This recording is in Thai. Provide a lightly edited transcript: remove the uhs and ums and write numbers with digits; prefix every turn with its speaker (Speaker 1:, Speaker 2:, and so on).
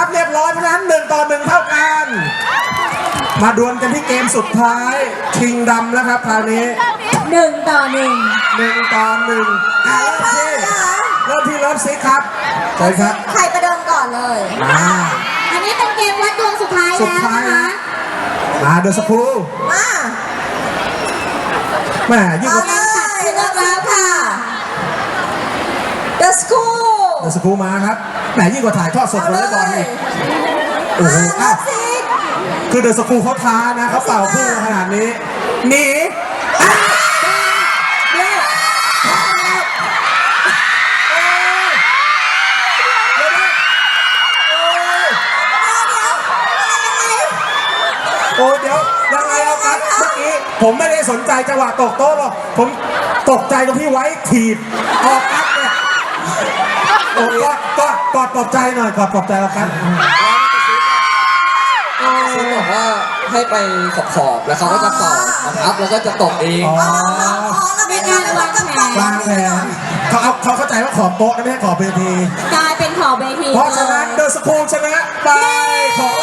Speaker 1: ครับเรียบร้อยเพราะฉะนั้น1-1เท่ากันมาดวลกันที่เกมสุดท้ายชิงดำแล้วครับคราวนี้
Speaker 2: 1-1
Speaker 1: 1-1เริ่มที่เริ่มซิกครับใช่ครับ
Speaker 2: ใครประเดิมก่อนเลยอันนี้เป็นเกมวัดดวงสุดท้ายแล้วนะคะ
Speaker 1: มาเดอะสกู
Speaker 2: มา
Speaker 1: แม่ยิ่งกว่า
Speaker 2: เลือกแล้วค่ะ The School
Speaker 1: มาครับแหมยิ่งกว่าถ่ายทอดสดวอลเลย์บอลนี่โอ้โหคือเดอะสกูเขาท้านะเขาเป่าพุ่งขนาดนี้หนีโอ้เดี๋ยวยังไงเอาครับเมื่อกี้ผมไม่ได้สนใจจังหวะตกโต๊ะหรอกผมตกใจตรงที่ไว้ถีบออกครับเนี่ยโอ้กอดปลอบใจหน่อยกอดปลอบใจเราครับ
Speaker 3: ซึ่งบอกว่าให้ไปขอบแล้วเขาก็จะต่อนะครับแล้วก็จะตกเอง
Speaker 2: เป็นการวางแผน
Speaker 1: เขาเข้าใจว่าขอบโต๊ะนะไม่ใช่ขอบเวที
Speaker 2: กลายเป็นขอบเวที
Speaker 1: เพราะฉะนั้นเดอะสกูลชนะไปขอ